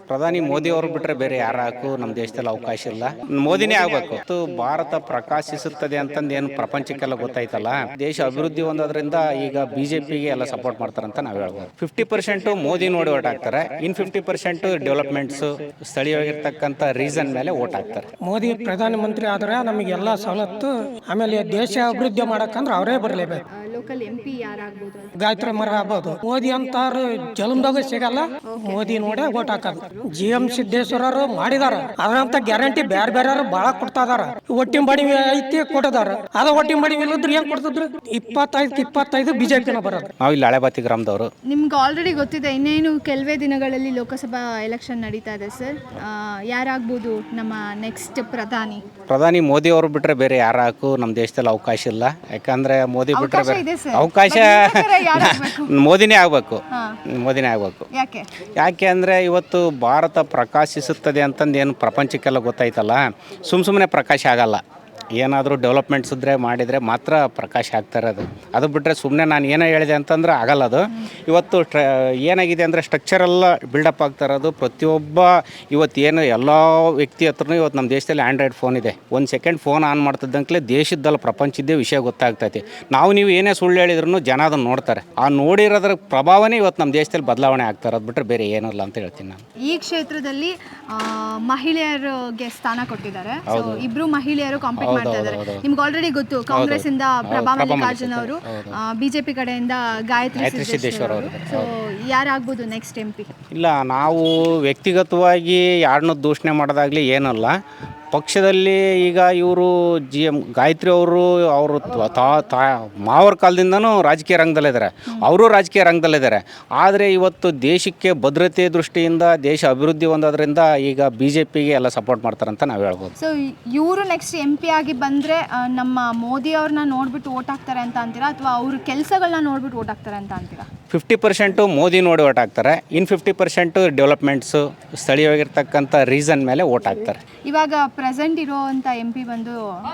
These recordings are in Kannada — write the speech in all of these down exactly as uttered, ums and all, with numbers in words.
ಪ್ರಧಾನಿ ಮೋದಿ ಅವರು ಬಿಟ್ಟರೆ ಬೇರೆ ಯಾರಾಕು ನಮ್ಮ ದೇಶದಲ್ಲಿ ಅವಕಾಶ ಇಲ್ಲ. ಮೋದಿನೇ ಆಗಬೇಕು. ಮತ್ತು ಭಾರತ ಪ್ರಕಾಶಿಸುತ್ತದೆ ಅಂತಂದು ಏನು ಪ್ರಪಂಚಕ್ಕೆಲ್ಲ ಗೊತ್ತಾಯ್ತಲ್ಲ, ದೇಶ ಅಭಿವೃದ್ಧಿ ಹೊಂದೋದ್ರಿಂದ ಈಗ ಬಿಜೆಪಿಗೆ ಎಲ್ಲ ಸಪೋರ್ಟ್ ಮಾಡ್ತಾರಂತ ನಾವು ಹೇಳ್ಬೋದು. ಫಿಫ್ಟಿ ಪರ್ಸೆಂಟ್ ಮೋದಿ ನೋಡಿ ಓಟ್ ಹಾಕ್ತಾರೆ, ಇನ್ ಫಿಫ್ಟಿ ಪರ್ಸೆಂಟ್ ಡೆವಲಪ್ಮೆಂಟ್ಸ್ ಸ್ಥಳೀಯವಾಗಿರ್ತಕ್ಕಂಥ ರೀಸನ್ ಮೇಲೆ ಓಟ್ ಹಾಕ್ತಾರೆ. ಮೋದಿ ಪ್ರಧಾನಮಂತ್ರಿ ಆದ್ರೆ ನಮಗೆಲ್ಲ ಸವಲತ್ತು, ಆಮೇಲೆ ದೇಶ ಅಭಿವೃದ್ಧಿ ಮಾಡಕ್ಕಂದ್ರೆ ಅವರೇ ಬರಲೇಬೇಕು. ಲೋಕಲ್ ಎಂ ಪಿ ಯಾರಾಗ್ಬೋದು? ಗಾಯತ್ರಿ ಮರ ಆಗ್ಬೋದು. ಮೋದಿ ಅಂತಾರು ಜಲಮ್ದಾಗ ಸಿಗಲ್ಲ, ಮೋದಿ ನೋಡೇ ಓಟ್ ಹಾಕೋದು. ಜಿ ಎಂ ಸಿದ್ದೇಶ್ವರರು ಮಾಡಿದಾರ, ಅದ್ರಂತ ಗ್ಯಾರಂಟಿ ಬೇರೆ ಬೇರೆ ಬಾಳ ಕೊಡ್ತಾ ಇದಾರ. ಒಟ್ಟಿನ ಬಡಿವಿ ಐತಿ ಕೊಟ್ಟದಾರ, ಅದ ಒಟ್ಟಿನ ಬಡಿವಿ ಇಲ್ಲದ್ರೆ ಏನ್ ಕೊಡ್ತಿದ್ರು? ಇಪ್ಪತ್ತೈದು ಇಪ್ಪತ್ತೈದು ಬಿಜೆಪಿನ ಬರೋದು. ನಾವು ಇಲ್ಲಿ ಹಳೆಬಾತಿ ಗ್ರಾಮದವರು. ನಿಮ್ಗೆ ಆಲ್ರೆಡಿ ಗೊತ್ತಿದೆ, ಇನ್ನೇನು ಕೆಲವೇ ದಿನಗಳಲ್ಲಿ ಲೋಕಸಭಾ ಎಲೆಕ್ಷನ್ ನಡೀತಾ ಇದೆ ಸರ್. ಯಾರಾಗ್ಬೋದು ನಮ್ಮ ನೆಕ್ಸ್ಟ್ ಪ್ರಧಾನಿ? ಪ್ರಧಾನಿ ಮೋದಿ ಅವರು ಬಿಟ್ಟರೆ ಬೇರೆ ಯಾರಾಕು ನಮ್ಮ ದೇಶದಲ್ಲಿ ಅವಕಾಶ ಇಲ್ಲ. ಯಾಕಂದ್ರೆ ಮೋದಿ ಬಿಟ್ಟರೆ ಅವಕಾಶ ಇದೆ ಸರ್. ಅವಕಾಶ ಯಾರಾಗಬೇಕು? ಮೋದಿನೇ ಆಗಬೇಕು. ಮೋದಿನೇ ಆಗಬೇಕು. ಯಾಕೆ? ಯಾಕೆ ಅಂದರೆ ಇವತ್ತು ಭಾರತ ಪ್ರಕಾಶಿಸುತ್ತದೆ ಅಂತಂದು ಏನು ಪ್ರಪಂಚಕ್ಕೆಲ್ಲ ಗೊತ್ತಾಯ್ತಲ್ಲ, ಸುಮ್ಮ ಸುಮ್ಮನೆ ಪ್ರಕಾಶ ಆಗಲ್ಲ. ಏನಾದರೂ ಡೆವಲಪ್ಮೆಂಟ್ಸ್ ಇದ್ದರೆ ಮಾಡಿದರೆ ಮಾತ್ರ ಪ್ರಕಾಶ ಆಗ್ತಾ ಇರೋದು. ಅದು ಬಿಟ್ಟರೆ ಸುಮ್ಮನೆ ನಾನು ಏನೋ ಹೇಳಿದೆ ಅಂತಂದ್ರೆ ಆಗಲ್ಲ. ಅದು ಇವತ್ತು ಟ್ರ ಏನಾಗಿದೆ ಅಂದರೆ ಸ್ಟ್ರಕ್ಚರೆಲ್ಲ ಬಿಲ್ಡಪ್ ಆಗ್ತಾ ಇರೋದು. ಪ್ರತಿಯೊಬ್ಬ ಇವತ್ತು ಏನು ಎಲ್ಲ ವ್ಯಕ್ತಿ ಹತ್ರನೂ ಇವತ್ತು ನಮ್ಮ ದೇಶದಲ್ಲಿ ಆ್ಯಂಡ್ರಾಯ್ಡ್ ಫೋನ್ ಇದೆ. ಒಂದು ಸೆಕೆಂಡ್ ಫೋನ್ ಆನ್ ಮಾಡ್ತಿದ್ದಂಕಲೇ ದೇಶದ್ದಲ್ಲ ಪ್ರಪಂಚದ್ದೇ ವಿಷಯ ಗೊತ್ತಾಗ್ತೈತಿ. ನಾವು ನೀವು ಏನೇ ಸುಳ್ಳು ಹೇಳಿದ್ರು ಜನ ಅದನ್ನು ನೋಡ್ತಾರೆ. ಆ ನೋಡಿರೋದ್ರ ಪ್ರಭಾವನೇ ಇವತ್ತು ನಮ್ಮ ದೇಶದಲ್ಲಿ ಬದಲಾವಣೆ ಆಗ್ತಾ ಇರೋದು ಬಿಟ್ಟರೆ ಬೇರೆ ಏನೂ ಇಲ್ಲ ಅಂತ ಹೇಳ್ತೀನಿ ನಾನು. ಈ ಕ್ಷೇತ್ರದಲ್ಲಿ ಮಹಿಳೆಯರಿಗೆ ಸ್ಥಾನ ಕೊಟ್ಟಿದ್ದಾರೆ. ಇಬ್ರು ಮಹಿಳೆಯರು ಕಾಂಪೀಟ್ ಮಾಡ್ತಾ ಇದ್ದಾರೆ. ನಿಮ್ಗೆ ಆಲ್ರೆಡಿ ಗೊತ್ತು, ಕಾಂಗ್ರೆಸ್ ಇಂದ ಪ್ರಭಾ ಮಲ್ಲಿಕಾರ್ಜುನ್ ಅವರು, ಬಿಜೆಪಿ ಕಡೆಯಿಂದ ಗಾಯತ್ರಿ ಸಿದ್ದೇಶ್ವರ ಅವರು. ಸೊ ಯಾರಾಗ್ಬೋದು ನೆಕ್ಸ್ಟ್ ಎಂ ಪಿ? ಇಲ್ಲ, ನಾವು ವ್ಯಕ್ತಿಗತವಾಗಿ ಯಾರನ್ನೂ ದೂಷಣೆ ಮಾಡೋದಾಗ್ಲಿ ಏನಲ್ಲ. ಪಕ್ಷದಲ್ಲಿ ಈಗ ಇವರು ಜಿ ಎಮ್ ಗಾಯತ್ರಿ ಅವರು ಅವರು ತಾ ಮಾವರ ಕಾಲದಿಂದನೂ ರಾಜಕೀಯ ರಂಗದಲ್ಲಿದ್ದಾರೆ, ಅವರು ರಾಜಕೀಯ ರಂಗದಲ್ಲಿದ್ದಾರೆ. ಆದರೆ ಇವತ್ತು ದೇಶಕ್ಕೆ ಭದ್ರತೆ ದೃಷ್ಟಿಯಿಂದ ದೇಶ ಅಭಿವೃದ್ಧಿ ಹೊಂದೋದ್ರಿಂದ ಈಗ ಬಿ ಜೆ ಪಿಗೆ ಎಲ್ಲ ಸಪೋರ್ಟ್ ಮಾಡ್ತಾರಂತ ನಾವು ಹೇಳ್ಬೋದು. ಸೊ ಇವರು ನೆಕ್ಸ್ಟ್ ಎಂ ಪಿ ಆಗಿ ಬಂದರೆ ನಮ್ಮ ಮೋದಿ ಅವ್ರನ್ನ ನೋಡ್ಬಿಟ್ಟು ಓಟ್ ಹಾಕ್ತಾರೆ ಅಂತ ಅಂತೀರಾ, ಅಥವಾ ಅವ್ರ ಕೆಲಸಗಳನ್ನ ನೋಡ್ಬಿಟ್ಟು ಓಟ್ ಹಾಕ್ತಾರೆ ಅಂತ ಅಂತೀರಾ? ಫಿಫ್ಟಿ ಪರ್ಸೆಂಟು ಮೋದಿ ನೋಡಿ ಓಟ್ ಹಾಕ್ತಾರೆ, ಇನ್ ಫಿಫ್ಟಿ ಪರ್ಸೆಂಟು ಡೆವಲಪ್ಮೆಂಟ್ಸು ಸ್ಥಳೀಯವಾಗಿರ್ತಕ್ಕಂಥ ರೀಸನ್ ಮೇಲೆ ಓಟ್ ಹಾಕ್ತಾರೆ. ಇವಾಗ ಪ್ರೆಸೆಂಟ್ ಇರೋವಂಥ ಎಂ ಪಿ ಬಂದು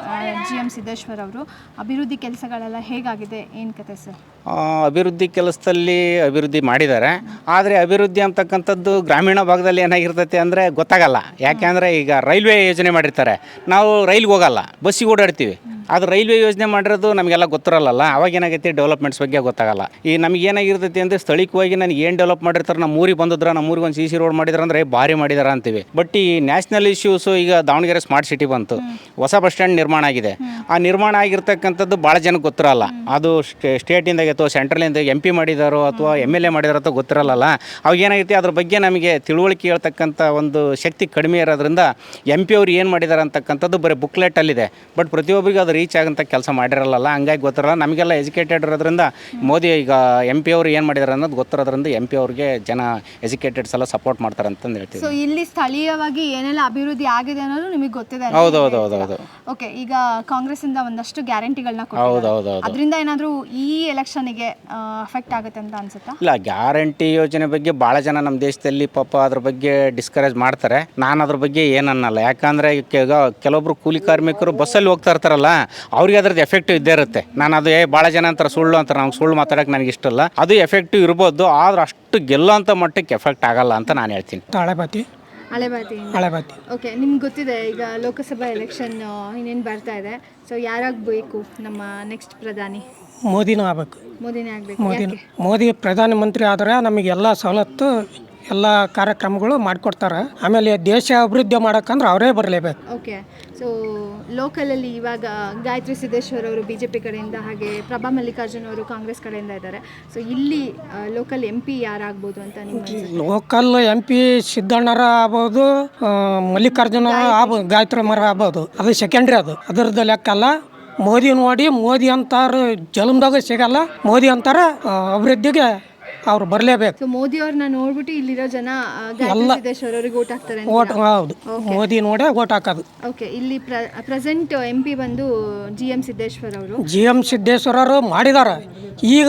ಜಿ ಎಂ ಸಿದ್ದೇಶ್ವರ್ ಅವರು. ಅಭಿವೃದ್ಧಿ ಕೆಲಸಗಳೆಲ್ಲ ಹೇಗಾಗಿದೆ, ಏನು ಕತೆ ಸರ್? ಅಭಿವೃದ್ಧಿ ಕೆಲಸದಲ್ಲಿ ಅಭಿವೃದ್ಧಿ ಮಾಡಿದ್ದಾರೆ. ಆದರೆ ಅಭಿವೃದ್ಧಿ ಅಂತಕ್ಕಂಥದ್ದು ಗ್ರಾಮೀಣ ಭಾಗದಲ್ಲಿ ಏನಾಗಿರ್ತೈತೆ ಅಂದರೆ ಗೊತ್ತಾಗಲ್ಲ. ಯಾಕೆಂದರೆ ಈಗ ರೈಲ್ವೆ ಯೋಜನೆ ಮಾಡಿರ್ತಾರೆ, ನಾವು ರೈಲ್ಗೆ ಹೋಗಲ್ಲ, ಬಸ್ಸಿಗೆ ಓಡಾಡ್ತೀವಿ. ಅದು ರೈಲ್ವೆ ಯೋಜನೆ ಮಾಡಿರೋದು ನಮಗೆಲ್ಲ ಗೊತ್ತಿರಲ್ಲ. ಅವಾಗ ಏನಾಗೈತಿ ಡೆವಲಪ್ಮೆಂಟ್ಸ್ ಬಗ್ಗೆ ಗೊತ್ತಾಗಲ್ಲ. ಈ ನಮ್ಗೆ ಏನಾಗಿರ್ತೈತಿ ಅಂದರೆ ಸ್ಥಳೀಯವಾಗಿ ನನಗೆ ಏನು ಡೆವಲಪ್ ಮಾಡಿರ್ತಾರೆ, ನಮ್ಮ ಊರಿಗೆ ಬಂದಿದ್ರೆ ನಮ್ಮ ಊರಿಗೆ ಒಂದು ಸಿ ಸಿ ರೋಡ್ ಮಾಡಿದ್ರೆ ಅಂದರೆ ಭಾರಿ ಮಾಡಿದಾರೆ ಅಂತೀವಿ. ಬಟ್ ಈ ನ್ಯಾಷನಲ್ ಇಶ್ಯೂಸು, ಈಗ ದಾವಣಗೆರೆ ಸ್ಮಾರ್ಟ್ ಸಿಟಿ ಬಂತು, ಹೊಸ ಬಸ್ ಸ್ಟ್ಯಾಂಡ್ ನಿರ್ಮಾಣ ಆಗಿದೆ. ಆ ನಿರ್ಮಾಣ ಆಗಿರ್ತಕ್ಕಂಥದ್ದು ಭಾಳ ಜನಕ್ಕೆ ಗೊತ್ತಿರಲ್ಲ. ಅದು ಸ್ಟೇಟಿಂದ ಅಥವಾ ಸೆಂಟ್ರಲಿಂದ ಎಂ ಪಿ ಮಾಡಿದಾರೋ ಅಥವಾ ಎಮ್ ಎಲ್ ಎ ಮಾಡಿದಾರೋ ಅಥವಾ ಗೊತ್ತಿರಲ್ಲ. ಅವಾಗ ಏನಾಗೈತಿ ಅದ್ರ ಬಗ್ಗೆ ನಮಗೆ ತಿಳುವಳಿಕೆ ಹೇಳ್ತಕ್ಕಂಥ ಒಂದು ಶಕ್ತಿ ಕಡಿಮೆ ಇರೋದ್ರಿಂದ ಎಂ ಪಿ ಅವ್ರು ಏನು ಮಾಡಿದ್ದಾರೆ ಅಂತಕ್ಕಂಥದ್ದು ಬರೀ ಬುಕ್ಲೆಟಲ್ಲಿದೆ. ಬಟ್ ಪ್ರತಿಯೊಬ್ಬರಿಗೆ ಅದು ರೀಚ್ ಆಗಂತ ಕೆಲಸ ಮಾಡಿರಲ್ಲ, ಹಂಗಾಗಿ ಗೊತ್ತಿರಲ್ಲ. ನಮಗೆಲ್ಲ ಎಜುಕೇಟೆಡ್ ಇರೋದ್ರಿಂದ ಮೋದಿ ಈಗ ಎಂ ಪಿ ಅವರು ಏನು ಮಾಡಿದಾರೆ ಅನ್ನೋದು ಗೊತ್ತಿರೋದ್ರಿಂದ ಎಂ ಪಿ ಅವ್ರಿಗೆ ಜನ ಎಜುಕೇಟೆಡ್ಸ್ ಎಲ್ಲ ಸಪೋರ್ಟ್ ಮಾಡ್ತಾರೆ ಅಂತಂದು ಹೇಳ್ತೀವಿ. ಸೊ ಇಲ್ಲಿ ಸ್ಥಳೀಯವಾಗಿ ಏನೆಲ್ಲ ಅಭಿವೃದ್ಧಿ ಆಗಿದೆ ಅನ್ನೋದು ನಿಮಗೆ ಗೊತ್ತಿದೆ? ಹೌದು ಹೌದು ಹೌದು ಹೌದು ಓಕೆ. ಈಗ ಕಾಂಗ್ರೆಸ್ ಇಂದ ಒಂದಷ್ಟು ಗ್ಯಾರಂಟಿಗಳನ್ನ ಕೊಟ್ಟಿದ್ದಾರೆ, ಅದರಿಂದ ಏನಾದರೂ ಈ ಎಲೆಕ್ಷನ್ಗೆ ಅಫೆಕ್ಟ್ ಆಗುತ್ತೆ ಅಂತ ಅನ್ಸುತ್ತಾ? ಇಲ್ಲ, ಗ್ಯಾರಂಟಿ ಯೋಜನೆ ಬಗ್ಗೆ ಭಾಳ ಜನ ನಮ್ಮ ದೇಶದಲ್ಲಿ ಪಾಪ ಅದ್ರ ಬಗ್ಗೆ ಡಿಸ್ಕರೇಜ್ ಮಾಡ್ತಾರೆ. ನಾನು ಅದ್ರ ಬಗ್ಗೆ ಏನನ್ನಲ್ಲ. ಯಾಕಂದರೆ ಈಗ ಕೆಲವೊಬ್ರು ಕೂಲಿ ಕಾರ್ಮಿಕರು ಬಸ್ಸಲ್ಲಿ ಹೋಗ್ತಾ ಇರ್ತಾರಲ್ಲ, ಅವ್ರಿಗೆ ಅದ್ರದ್ದು ಎಫೆಕ್ಟಿವ್ ಇದ್ದೇ ಇರುತ್ತೆ. ನಾನು ಅದು ಏ ಭಾಳ ಜನ ಅಂತಾರೆ ಸುಳ್ಳು ಅಂತಾರೆ, ನಮ್ಗೆ ಸುಳ್ಳು ಮಾತಾಡೋಕೆ ನನಗೆ ಇಷ್ಟ ಇಲ್ಲ. ಅದು ಎಫೆಕ್ಟಿವ್ ಇರ್ಬೋದು, ಆದ್ರೆ ಅಷ್ಟು ಗೆಲ್ಲೋಂಥ ಮಟ್ಟಕ್ಕೆ ಎಫೆಕ್ಟ್ ಆಗಲ್ಲ ಅಂತ ನಾನು ಹೇಳ್ತೀನಿ. ಹಳೆಬಾತಿ ಹಳೆಬಾತಿ ಹಳೆಬಾತಿ ಓಕೆ. ನಿಮ್ಗೆ ಗೊತ್ತಿದೆ, ಈಗ ಲೋಕಸಭಾ ಎಲೆಕ್ಷನ್ ಇನ್ನೇನು ಬರ್ತಾ ಇದೆ. ಸೊ ಯಾರಾಗಬೇಕು ನಮ್ಮ ನೆಕ್ಸ್ಟ್ ಪ್ರಧಾನಿ? ಮೋದಿನೂ ಆಗ್ಬೇಕು. ಮೋದಿನೇ ಆಗಬೇಕು. ಮೋದಿ ಮೋದಿ ಪ್ರಧಾನಮಂತ್ರಿ ಆದರೆ ನಮಗೆಲ್ಲ ಸವಲತ್ತು, ಎಲ್ಲ ಕಾರ್ಯಕ್ರಮಗಳು ಮಾಡಿಕೊಡ್ತಾರೆ. ಆಮೇಲೆ ದೇಶ ಅಭಿವೃದ್ಧಿ ಮಾಡೋಕ್ಕಂದ್ರೆ ಅವರೇ ಬರಲೇಬೇಕು. ಓಕೆ. ಸೊ ಲೋಕಲಲ್ಲಿ ಇವಾಗ ಗಾಯತ್ರಿ ಸಿದ್ದೇಶ್ವರ್ ಅವರು ಬಿ ಜೆ ಪಿ ಕಡೆಯಿಂದ, ಹಾಗೆ ಪ್ರಭಾ ಮಲ್ಲಿಕಾರ್ಜುನ್ ಅವರು ಕಾಂಗ್ರೆಸ್ ಕಡೆಯಿಂದ ಇದ್ದಾರೆ. ಸೊ ಇಲ್ಲಿ ಲೋಕಲ್ ಎಂ ಪಿ ಯಾರಾಗ್ಬೋದು ಅಂತ ನಿಮ್ಗೆ? ಲೋಕಲ್ ಎಂ ಪಿ ಸಿದ್ದಣ್ಣರ ಆಗ್ಬೋದು, ಮಲ್ಲಿಕಾರ್ಜುನ ಆಗ್ಬೋದು, ಗಾಯತ್ರಿ ಮರ ಆಗ್ಬೋದು. ಅದು ಸೆಕೆಂಡ್ರಿ, ಅದು ಅದರದ್ದು ಲೆಕ್ಕಲ್ಲ. ಮೋದಿ ನೋಡಿ, ಮೋದಿ ಅಂತಾರು ಜಲಮ್ದಾಗ ಸಿಗಲ್ಲ, ಮೋದಿ ಅಂತಾರ ಅಭಿವೃದ್ಧಿಗೆ ಅವ್ರು ಬರಲೇಬೇಕು. ಸೊ ಮೋದಿ ಅವ್ರನ್ನ ನೋಡ್ಬಿಟ್ಟು ಇಲ್ಲಿರೋ ಜನ ಗಾಯತ್ರಿ ಸಿದ್ದೇಶ್ವರ್ ಅವ್ರಿಗೆ ಓಟ್ ಹಾಕ್ತಾರೆ? ಓಟ್ ಹೌದು, ಮೋದಿ ನೋಡೇ ಓಟ್ ಹಾಕೋದು. ಓಕೆ. ಇಲ್ಲಿ ಪ್ರೆಸೆಂಟ್ ಎಂ ಪಿ ಬಂದು ಜಿ ಎಂ ಸಿದ್ದೇಶ್ವರ್ ಅವರು. ಜಿ ಎಂ ಸಿದ್ದೇಶ್ವರರು ಮಾಡಿದ್ದಾರೆ. ಈಗ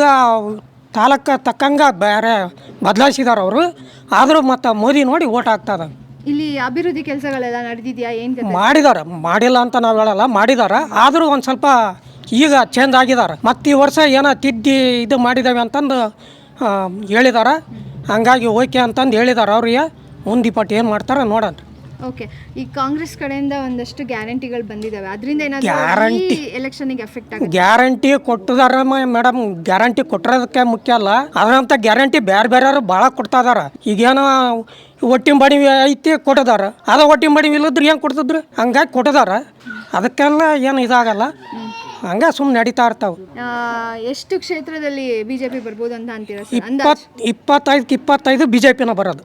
ತಾಲೂಕು ತಕ್ಕಂಗೆ ಬೇರೆ ಬದಲಾಯಿಸಿದಾರೆ ಅವರು. ಆದರೂ ಮತ್ತು ಮೋದಿ ನೋಡಿ ಓಟ್ ಹಾಕ್ತದ. ಇಲ್ಲಿ ಅಭಿವೃದ್ಧಿ ಕೆಲಸಗಳೆಲ್ಲ ನಡೆದಿದೆಯಾ? ಏನು ಮಾಡಿದ್ದಾರೆ, ಮಾಡಿಲ್ಲ ಅಂತ ನಾವು ಹೇಳಲ್ಲ, ಮಾಡಿದ್ದಾರೆ. ಆದರೂ ಒಂದು ಸ್ವಲ್ಪ ಈಗ ಚೇಂಜ್ ಆಗಿದ್ದಾರೆ. ಮತ್ತು ಈ ವರ್ಷ ಏನೋ ತಿದ್ದಿ ಇದು ಮಾಡಿದ್ದಾವೆ ಅಂತಂದು ಹೇಳಿದಾರೆ. ಹಂಗಾಗಿ ಓಕೆ ಅಂತಂದು ಹೇಳಿದಾರೆ ಅವ್ರಿಗೆ. ಮುಂದೆ ಇಪ್ಪಟ್ಟು ಏನು ಮಾಡ್ತಾರ ನೋಡೋಣ. ಓಕೆ, ಈ ಕಾಂಗ್ರೆಸ್ ಕಡೆಯಿಂದ ಒಂದಷ್ಟು ಗ್ಯಾರಂಟಿಗಳು ಬಂದಿದ್ದಾವೆ, ಅದರಿಂದ ಏನಾದರೂ ಗ್ಯಾರಂಟಿ ಎಲೆಕ್ಷನ್ಗೆ ಎಫೆಕ್ಟ್ ಆಗುತ್ತೆ? ಗ್ಯಾರಂಟಿ ಕೊಟ್ಟಿದಾರ ಮೇಡಮ್, ಗ್ಯಾರಂಟಿ ಕೊಟ್ಟಿರೋದಕ್ಕೆ ಮುಖ್ಯ ಅಲ್ಲ, ಅದರಂತ ಗ್ಯಾರಂಟಿ ಬೇರೆ ಬೇರೆಯವರು ಭಾಳ ಕೊಡ್ತಾ ಇದಾರ. ಈಗೇನೋ ಒಟ್ಟಿನ ಬಡಿ ಐತಿ ಕೊಟ್ಟಿದಾರ, ಅದ ಒಟ್ಟಿನ ಬಡಿ ಇಲ್ಲದ್ರೆ ಏನು ಕೊಡ್ತಿದ್ರು, ಹಂಗಾಗಿ ಕೊಟ್ಟಿದಾರ. ಅದಕ್ಕೆಲ್ಲ ಏನು ಇದಾಗಲ್ಲ, ಹಂಗೆ ಸುಮ್ಮನೆ ನಡೀತಾ ಇರ್ತಾವೆ. ಆ, ಎಷ್ಟು ಕ್ಷೇತ್ರದಲ್ಲಿ ಬಿಜೆಪಿ ಬರ್ಬೋದು ಅಂತ ಅಂತೀರಾ ಸರ್? ಇಪ್ಪತ್ತು ಇಪ್ಪತ್ತೈದಕ್ಕೆ ಇಪ್ಪತ್ತೈದು ಬಿ ಜೆ ಪಿನ ಬರೋದು.